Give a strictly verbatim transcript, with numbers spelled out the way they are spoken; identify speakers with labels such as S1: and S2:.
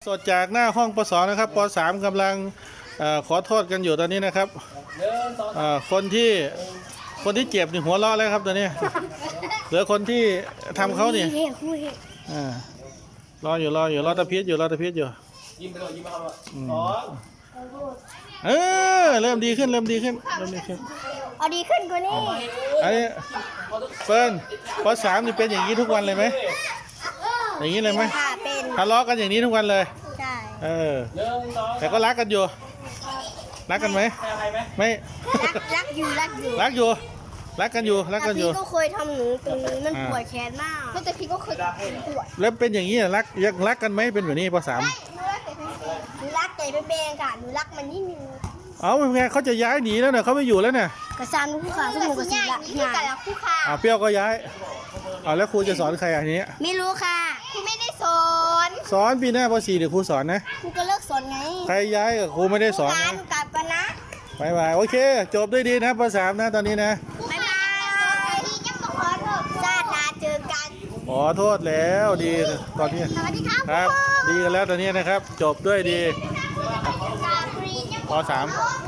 S1: สดจากหน้าห้องป .สอง นะครับป .สาม กำลังเอ่อขอโทษกันอยู่ตอนนี้นะครับเอ่อคนที่คนที่เจ็บนี่หัวเราะแล้วครับตอนนี้เหลือคนที่ทำเขาเนี่ยอ่ารออยู่รออยู่รอตะพีชอยู่รอตะพีชอยู่ยิ้มไปเลยยิ้มมาครับอ๋อเออเริ่มดีขึ้นเริ่มดีขึ้นเริ่มดีขึ้น
S2: เอาดีขึ้นกว่านี้
S1: อันนี้เฟิร์นป .สาม นี่เป็นอย่างนี้ทุกวันเลยไหมอย่างนี้เลยไหม
S2: ค่ะเป็น
S1: ทะเลาะกันอย่างนี้ทุกวันเลย
S2: ใช่
S1: เออแต่ก็รักกันอยู่รักกันไหมไม่
S2: รักรักอยู่รักอยู่
S1: รักอยู่รักกันอยู่รัก
S2: แต่
S1: กันอ
S2: พี่
S1: ยู่
S2: ก็เคยทำหนูตรงนี้มันปวดแขนมากแต่พี่ก็เคยปวด
S1: แล้วเป็นอย่างนี้รักยังรักกันไหมเป็นแบบนี้ป .สาม
S2: หนูรักแต่เป็นเบงค่ะหนูรักมันนิดนึง
S1: เอาเป็นไงเขาจะย้ายหนีแล้วเนี่ยเขาไม่อยู่แล้วเนี่ย
S2: กระซานคู่ขาคู่หนูกระสีละงานคู่ขา
S1: อ่าเปรี้ยวก็ย้ายเอาแล้วครูจะสอนใครอันนี้
S2: ไม่รู้ค่ะครูไม่ได้สอน
S1: สอนปีหน้าป .สี่ เดี๋ยวครูสอนนะ
S2: ครูก็เลิกสอนไง
S1: ใครย้ายกับครูไม่ได้สอน
S2: ห
S1: นะ
S2: นูกลับกันนะ
S1: บายบายโอเค จบด้วยดีนะป .สาม นะตอนนี้นะ
S2: บ๊ายบายดีจังก็ขอโทษชาติหน้าเจอกัน
S1: ขอโทษแล้วดีตอนนี้
S2: สวัสดีครับ
S1: ครับ ดีกันแล้วตอนนี้นะครับ จบด้วยดี
S2: จากรีจัง
S1: ป .สาม